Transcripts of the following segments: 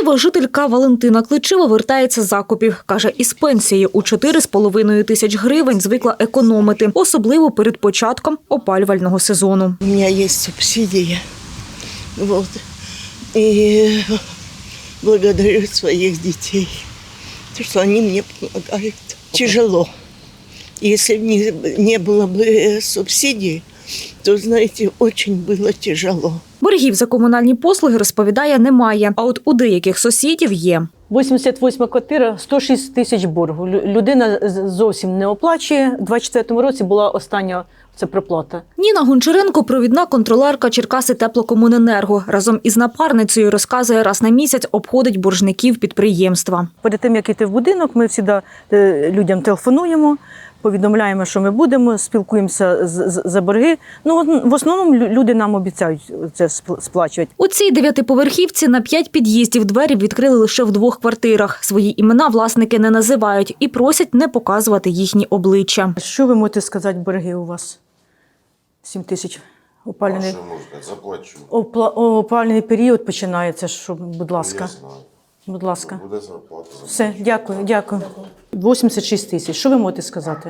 Києва жителька Валентина Кличева вертається з закупів. Каже, із пенсії у 4,5 тисяч гривень звикла економити, особливо перед початком опалювального сезону. У меня есть субсидия, вот, и благодарю своих детей, что они мне помогают. Тяжело. Если бы не было бы субсидий, то, знаете, очень было тяжело. Боргів за комунальні послуги, розповідає, немає, а от у деяких сусідів є. 88 квартира, 106 тисяч боргу. Людина зовсім не оплачує. У 24-му році була остання це проплата. Ніна Гончаренко – провідна контролерка Черкаси Теплокомуненерго. Разом із напарницею, розказує, раз на місяць обходить боржників підприємства. Перед тим, як йти в будинок, ми завжди людям телефонуємо, повідомляємо, що ми будемо, спілкуємося за борги. Ну, в основному люди нам обіцяють це сплачувати. У цій 9-поверхівці на 5 під'їздів двері відкрили лише в 2 квартирах. Свої імена власники не називають і просять не показувати їхні обличчя. Що ви можете сказати, борги у вас? 7 тисяч опалювальний. Що можна, заплачу. Опалювальний період починається, що, будь ласка. Я знаю. Будь ласка. Буде зарплата. Все, дякую. 86 тисяч. Що ви можете сказати?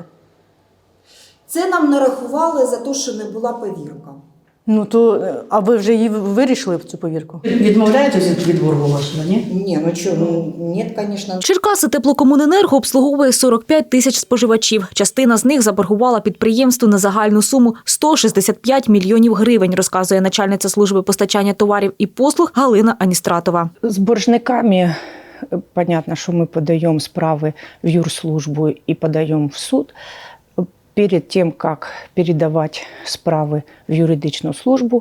Це нам нарахували за те, що не була повірка. Ну то, а ви вже її вирішили, цю повірку? Відмовляєтеся від боргу вашого, ні? Ні, ну що, ні, звісно. Черкаси Теплокомуненерго обслуговує 45 тисяч споживачів. Частина з них заборгувала підприємству на загальну суму 165 мільйонів гривень, розказує начальниця служби постачання товарів і послуг Галина Аністратова. С боржниками понятно, что мы подаем справы в юрслужбу и подаем в суд. Перед тем, как передавать справи в юридичну службу,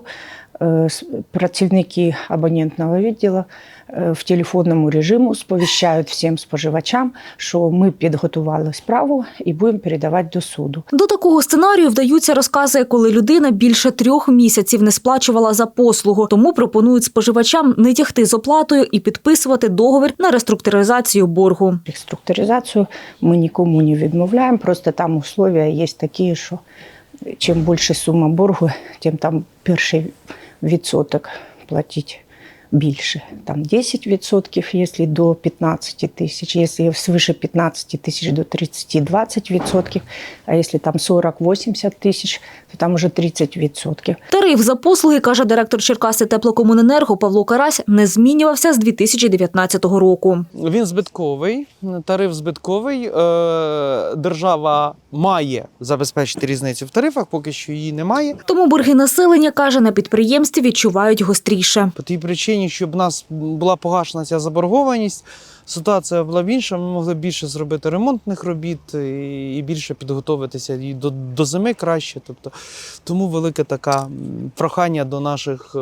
працівники абонентного відділу в телефонному режимі сповіщають всім споживачам, що ми підготували справу і будемо передавати до суду. До такого сценарію вдаються, розказує, коли людина більше 3 місяців не сплачувала за послугу. Тому пропонують споживачам не тягти з оплатою і підписувати договір на реструктуризацію боргу. Реструктуризацію ми нікому не відмовляємо, просто там умови є такі, що чим більше сума боргу, тим там перший відсоток платити більше. Там 10%, якщо до 15 тисяч, якщо свише 15 тисяч до 30-20%, а якщо там 40-80 тисяч, то там вже 30%. Тариф за послуги, каже директор Черкаси Теплокомуненерго Павло Карась, не змінювався з 2019 року. Він збитковий, тариф збитковий. Держава має забезпечити різницю в тарифах, поки що її немає. Тому борги населення, каже, на підприємстві відчувають гостріше. По тій причині, щоб в нас була погашена ця заборгованість, ситуація була б інша, ми могли більше зробити ремонтних робіт і більше підготуватися і до зими краще. Тобто, тому велике таке прохання до наших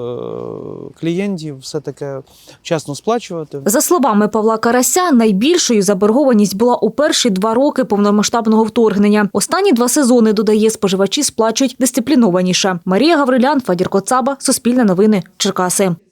клієнтів все-таки вчасно сплачувати. За словами Павла Карася, найбільшою заборгованість була у перші 2 роки повномасштабного вторгнення. Останні 2 сезони, додає, споживачі сплачують дисциплінованіше. Марія Гаврилян, Фадір Коцаба, Суспільне новини, Черкаси.